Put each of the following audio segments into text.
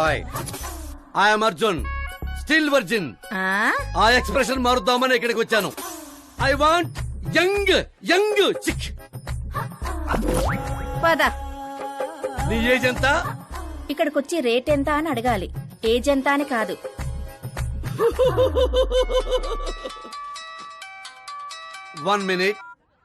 Hi I'm Arjun still virgin. ఆ expression మారుద్దామని ఇక్కడికి వచ్చాను. I want young young chick. పద. నీ ఏజ్ ఎంత? ఇక్కడికొచ్చి రేట్ ఎంత అని అడగాలి, ఏజ్ ఎంత అని కాదు. One minute.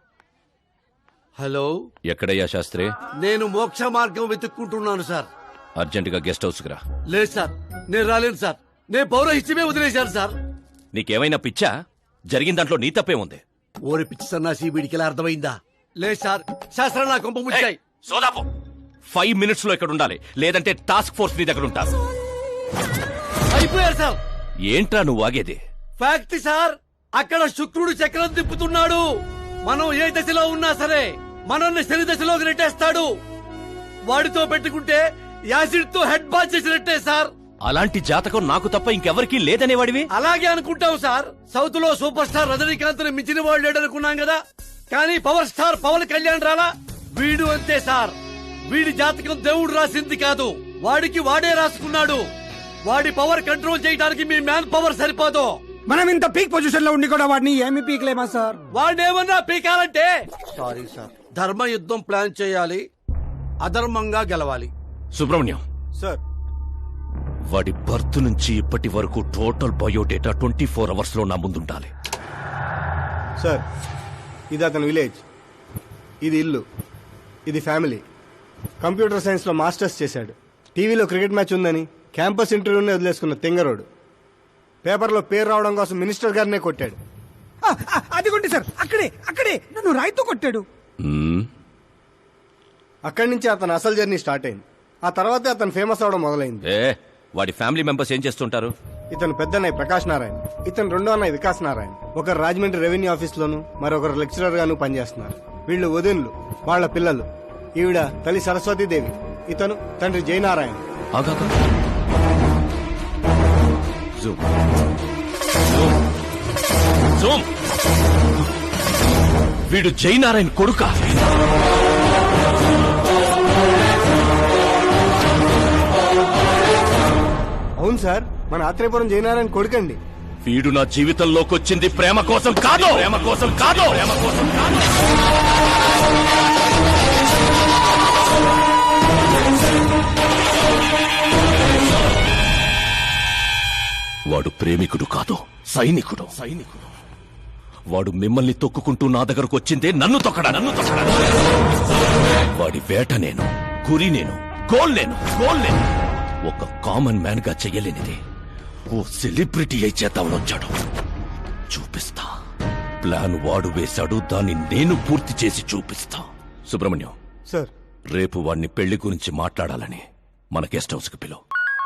హలో, ఎక్కడయ్యా శాస్త్రి? నేను మోక్ష మార్గం వెతుక్కుంటున్నాను సార్. అర్జెంటుగా గెస్ట్ హౌస్ కి రా. లేదు సార్, నేను రాలేను సార్. నేను పౌరహిత్యమే వదిలేశాను సార్. నీకేమైనా పిచ్చా? జరిగిన దాంట్లో నీ తప్పే ఉంది. ఓరి పిచ్చి సన్నాసి, వీడికి ఎలా అర్థమైందా? లేదు సార్, శాస్త్రం నా కొంప ముచ్చాయి. సోదాపు 5 minutes లో ఇక్కడ ఉండాలి, లేదంటే టాస్క్ ఫోర్స్ నీ దగ్గర ఉంటారు. అయిపోయారు సార్. ఏంట్రా నువ్వు ఆగేది? ఫ్యాక్ట్ సార్, అక్కడ శుక్రుడు చక్రం తిప్పుతున్నాడు. మనం ఏ దశలో ఉన్నా సరే మనల్ని శని దశలోకి నెట్టేస్తాడు. వాడితో పెట్టుకుంటే యాసిడ్ తో హెడ్ బాత్ చేసినట్టే సార్. అలాంటి జాతకం నాకు తప్ప ఇంకెవరికీ లేదనేవాడివి. అలాగే అనుకుంటాం సార్. సౌత్ లో సూపర్ స్టార్ రజనీకాంత్ ని మించిన వాడు లేడనుకున్నాం కదా, కానీ పవర్ స్టార్ పవన్ కళ్యాణ్ రాలా. వీడు అంతే సార్. వీడి జాతకం దేవుడు రాసింది కాదు, వాడికి వాడే రాసుకున్నాడు. వాడి పవర్ కంట్రోల్ చేయడానికి మీ మ్యాన్ పవర్ సరిపోదు. మనం ఇంత పీక్ పొజిషన్ లో ఉండి కూడా వాడిని ఏమి పీక్లేమా సార్? వాడినేమన్నా పీకాలంటే సారీ సార్, ధర్మ యుద్ధం ప్లాన్ చేయాలి, అధర్మంగా గెలవాలి. సుబ్రహ్మణ్యం సార్, వాడి బర్త్ నుంచి ఇప్పటి వరకు టోటల్ బయోడేటా 24 hours లో నా ముందుండాలి. సార్, ఇది అతని విలేజ్, ఇది ఇల్లు, ఇది ఫ్యామిలీ. కంప్యూటర్ సైన్స్ లో మాస్టర్స్ చేశాడు. టీవీలో క్రికెట్ మ్యాచ్ ఉందని క్యాంపస్ ఇంటర్వ్యూనే వదిలేసుకున్న తెంగరోడు. పేపర్లో పేరు రావడం కోసం మినిస్టర్ గారినే కొట్టాడు. అదిగోండి సార్, అక్కడే అక్కడే నన్ను రాయితో కొట్టాడు. అక్కడి నుంచి అతని అసలు జర్నీ స్టార్ట్ అయింది. ఆ తర్వాతే అతను ఫేమస్ అవడం మొదలైంది. వాడి ఫ్యామిలీ మెంబర్స్ ఏం చేస్తుంటారు? ఇతను పెద్దన్నయ్య ప్రకాష్ నారాయణ, ఇతను రెండో అన్నయ్య వికాస్ నారాయణ. ఒకరు రాజమండ్రి రెవెన్యూ ఆఫీస్ లోను, మరొకరు లెక్చరర్ గాను పనిచేస్తున్నారు. వీళ్ళు వదినులు, వాళ్ల పిల్లలు. ఈవిడ తల్లి సరస్వతీదేవి, ఇతను తండ్రి జయనారాయణ. వీడు జయనారాయణ కొడుకా? అవును సార్, మన ఆత్రేయపురం జయనారాయణ కొడుకండి. వీడు నా జీవితంలోకి వచ్చింది ప్రేమ కోసం కాదు, ప్రేమ కోసం కాదు, ప్రేమ కోసం కాదు. వాడు ప్రేమికుడు కాదు, సైనికుడు. వాడు మిమ్మల్ని తొక్కుకుంటూ నా దగ్గరకు వచ్చిందే నన్ను తొక్కడా. వాడి వేట నేను, గురి నేను, గోల్ నేను. ఒక కామన్ మ్యాన్ గా చెయ్యలేనిది ఓ సెలబ్రిటీ అయి చేద్దామని వచ్చాడు. చూపిస్తా. ప్లాన్ వాడు వేశాడు, దాన్ని నేను పూర్తి చేసి చూపిస్తా. సుబ్రహ్మణ్యం సార్, రేపు వాడిని పెళ్లి గురించి మాట్లాడాలని మన గెస్ట్ హౌస్ కి పిలువు.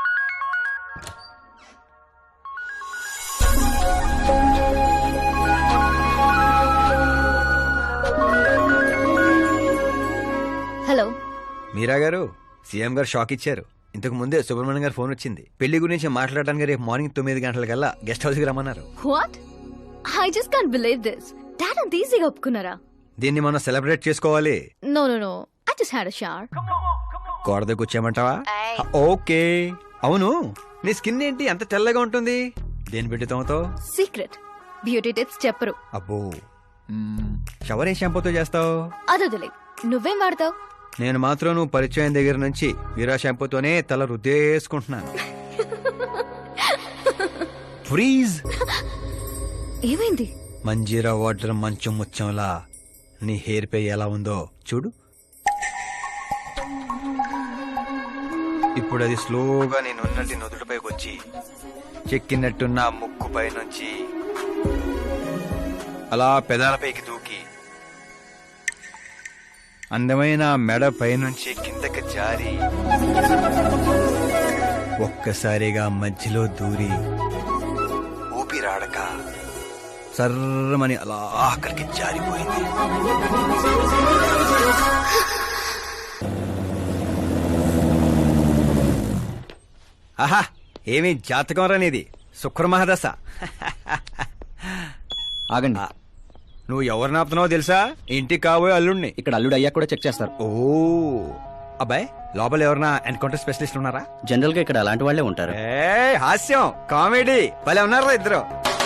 హలో మీరా గారు, సీఎం గారు షాక్ ఇచ్చారు. ఇంతకు ముందే సుబ్రహ్మణ్యం గారు ఫోన్ వచ్చింది. పెళ్లి గురించి మాట్లాడడానికి రేపు మార్నింగ్ 9 గంటలకల్లా గెస్ట్ హౌస్ కి రమ్మన్నారు. What? I just can't believe this. Dad అంత ఈజీగా ఒప్పుకున్నారా? దీన్ని మనం సెలబ్రేట్ చేసుకోవాలి. No no no, I just had a shower. గోడ దగ్గర కూర్చోమంటావా? ఓకే. అవును, నీ స్కిన్ ఏంటి అంత తెల్లగా ఉంటుంది? దేని పెట్టి తోమతావు? సీక్రెట్ బ్యూటీ టిప్స్ చెప్పరు. అబ్బో, షవర్ ఏ షాంపూతో చేస్తావు? అదొదిలే, నువ్వేం వాడతావు? నేను మాత్రం నువ్వు పరిచయం దగ్గర నుంచి వీరా షాంపూతోనే తల రుద్దేసుకుంటున్నాను. ఫ్రీజ్. ఏమైంది? మంజీరా వాటర్ మంచు ముచ్చంలా నీ హెయిర్ పై ఎలా ఉందో చూడు. ఇప్పుడు అది స్లోగా నేను ఉన్నట్టు నుదుటిపైకి వచ్చి చెక్కినట్టున్న ముక్కుపై నుంచి అలా పెదాలపైకి దూకి అందమైన మెడ పైనుంచి కిందకి జారి ఒక్కసారిగా మధ్యలో దూరి ఊపిరాడక సర్రమని అలా అక్కడికి జారిపోయింది. ఆహా, ఏమి జాతకం రానిది, శుక్రమహాదశ. ఆగండి, నువ్వు ఎవరిని ఆపుతున్నావో తెలుసా? ఇంటికి కాబోయే అల్లుడిని. ఇక్కడ అల్లుడు అయ్యా కూడా చెక్ చేస్తారు. ఓ, అబ్బాయి లోపల ఎవరన్నా ఎన్కౌంటర్ స్పెషలిస్ట్ ఉన్నారా? జనరల్ గా ఇక్కడ అలాంటి వాళ్ళే ఉంటారు. హాస్యం కామెడీ భలే ఉన్నారా ఇద్దరు.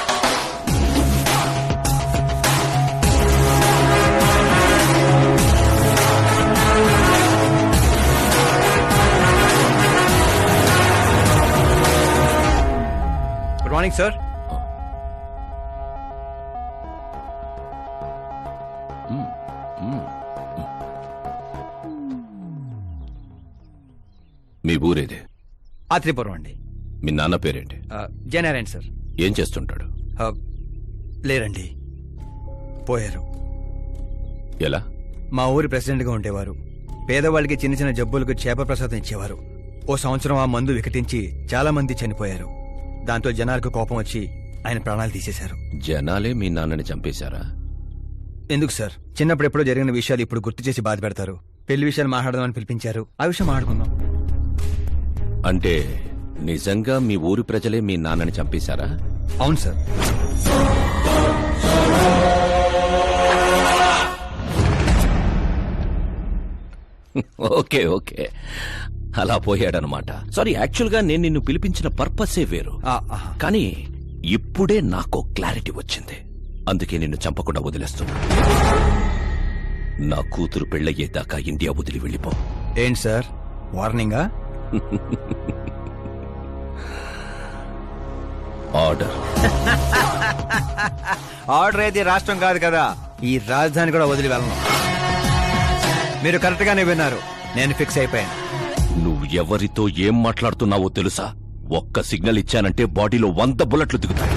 Good morning sir. మీ ఊరేదే? ఆత్రిపురం అండి. మీ నాన్న పేరేంటి? జయనారాయణ సార్. ఏం చేస్తుంటాడు? లేరండి, పోయారు. ఎలా? మా ఊరి ప్రెసిడెంట్గా ఉండేవారు. పేదవాళ్ళకి చిన్న చిన్న జబ్బులకు చేప ప్రసాదం ఇచ్చేవారు. ఓ సంవత్సరం ఆ మందు వికటించి చాలా మంది చనిపోయారు. దాంతో జనాలకు కోపం వచ్చి ఆయన ప్రాణాలు తీసేశారు. జనాలే మీ నాన్నని చంపేశారా? ఎందుకు సార్, చిన్నప్పుడు ఎప్పుడో జరిగిన విషయాలు ఇప్పుడు గుర్తు చేసి బాధ పెడతారు. పెళ్లి విషయాలు మాట్లాడదామని పిలిపించారు, ఆ విషయం మాట్లాడుకుందాం. అంటే నిజంగా మీ ఊరి ప్రజలే మీ నాన్నని చంపేశారా? అవును సార్. ఓకే ఓకే, అలా పోయాడనమాట. సారీ, యాక్చువల్ గా నేను నిన్ను పిలిపించిన పర్పసే వేరు. కానీ ఇప్పుడే నాకు క్లారిటీ వచ్చింది. అందుకే నిన్ను చంపకుండా వదిలేస్తున్నా. నా కూతురు పెళ్ళయ్యేదాకా ఇండియా వదిలి వెళ్ళిపో. ఏంటి సార్, వార్నింగా? ఆర్డర్. ఆర్డర్ అయితే రాష్ట్రం కాదు కదా, ఈ రాజధాని కూడా వదిలి వెళ్ళను. మీరు కరెక్ట్ గానే విన్నారు, నేను ఫిక్స్ అయిపోయాను. నువ్వు ఎవరితో ఏం మాట్లాడుతున్నావో తెలుసా? ఒక్క సిగ్నల్ ఇచ్చానంటే బాడీలో 100 బుల్లెట్లు దిగుతాయి.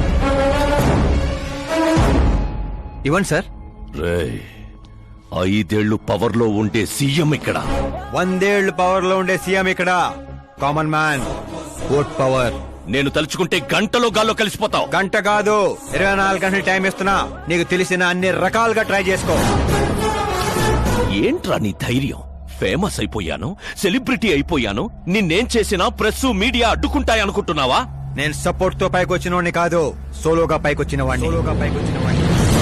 ఇవ్వండి సార్. రేయ్, 5 ఏళ్లు పవర్లో ఉండే సీఎం ఇక్కడ. 100 ఏళ్లు పవర్ లో ఉండే సీఎం ఇక్కడ. Common man, vote power. నేను తలుచుకుంటే గంటలో గాల్లో కలిసిపోతావు. గంట కాదు, 24 గంటలు టైం ఇస్తున్నా. నీకు తెలిసిన అన్ని రకాలుగా ట్రై చేసుకో. ఏంట్రా నీ ధైర్యం? ఫేమస్ అయిపోయాను, సెలబ్రిటీ అయిపోయాను, నిన్నేం చేసినా ప్రెస్ మీడియా అడ్డుకుంటాయనుకుంటున్నావా? నేను సపోర్ట్ తో పైకి వచ్చిన కాదు, సోలోగా పైకి వచ్చిన వాడిని.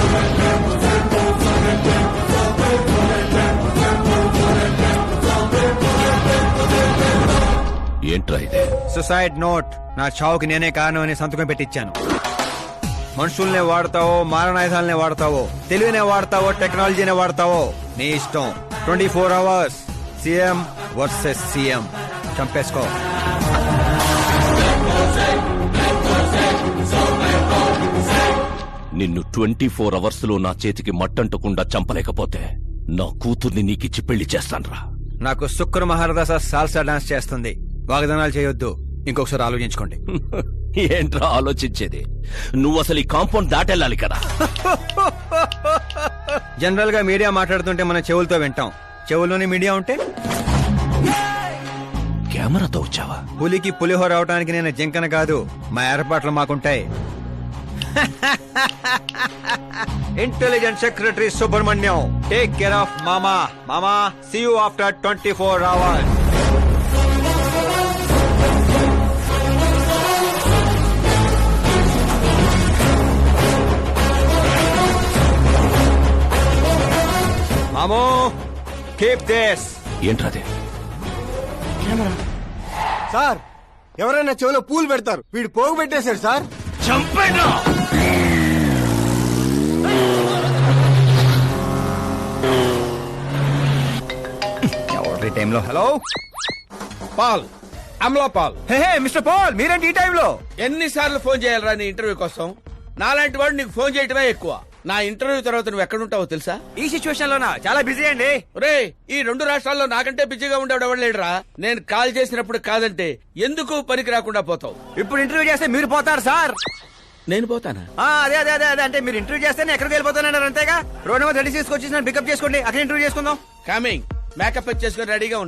ఏంట్రా ఇదే? Suicide note. నా చావుకి నేనే కారణం అని సంతకం పెట్టించాను. మనుషుల్నే వాడతావో, మారణాయుధాలనే వాడతావో, తెలివినే వాడతావో, టెక్నాలజీనే వాడతావో, నీ ఇష్టం. 24 hours సీఎం వర్సెస్ సీఎం. చంపేసుకో. నిన్ను 24 అవర్స్ లో నా చేతికి మట్టంటకుండా చంపలేకపోతే నా కూతుర్ని నీకిచ్చి పెళ్లి చేస్తాన్రా. నాకు శుక్ర మహారదాస సాల్సా డాన్స్ చేస్తుంది. వాగ్దానాలు చేయొద్దు, ఇంకొకసారి ఆలోచించుకోండి. ఏంట్రా ఆలోచించేది? నువ్వు అసలు ఈ కాంపౌండ్ దాటెళ్ళాలి కదా. జనరల్ గా మీడియా మాట్లాడుతుంటే మనం చెవులతో వింటాం, చెవుల్లోనే మీడియా ఉంటే? కెమెరాతో వచ్చావా? పులికి పులిహోర అవడానికి నేను జింకన కాదు, మా ఏర్పాట్లు మాకుంటాయి. Intelligent secretary Subrahmanyam, take care of మామా. మామా, సీ యూ ఆఫ్టర్ 24 hours. మామో, కీప్ దిస్. ఏంట్రాదే? సార్, ఎవరైనా చెవిలో పూలు పెడతారు, వీడు పోగు పెట్టేశాడు సార్. చంపేనా? ఎవరి టైంలో? Hello Paul, Amala Paul. Hey mister Paul, మీరేంటి ఈ టైంలో? ఎన్నిసార్లు ఫోన్ చేయాలరా నీ ఇంటర్వ్యూ కోసం? నాలాంటి వాడు నీకు ఫోన్ చేయటమే ఎక్కువ. నా ఇంటర్వ్యూ తర్వాత నువ్వు ఎక్కడుంటావో తెలుసా? ఈ సిచ్యువేషన్ లోనా? చాలా బిజీ అండి. రే, ఈ 2 రాష్ట్రాల్లో నాకంటే బిజీగా ఉండేవాడు ఎవడు లేడురా. నేను కాల్ చేసినప్పుడు కాదంటే ఎందుకు పనికి రాకుండా పోతావు? ఇప్పుడు ఇంటర్వ్యూ చేస్తే మీరు పోతారు సార్. నేను పోతానా? అదే అదే అదే అదే అంటే మీరు ఇంటర్వ్యూ చేస్తే నేను ఎక్కడికి వెళ్ళిపోతానన్నారు అంతేగా. రోడ్ నెంబర్ 36 వచ్చేసి పికప్ చేసుకోండి, అక్కడ ఇంటర్వ్యూ చేసుకుందాం. కమింగ్. మేకప్ చేసుకుని రెడీగా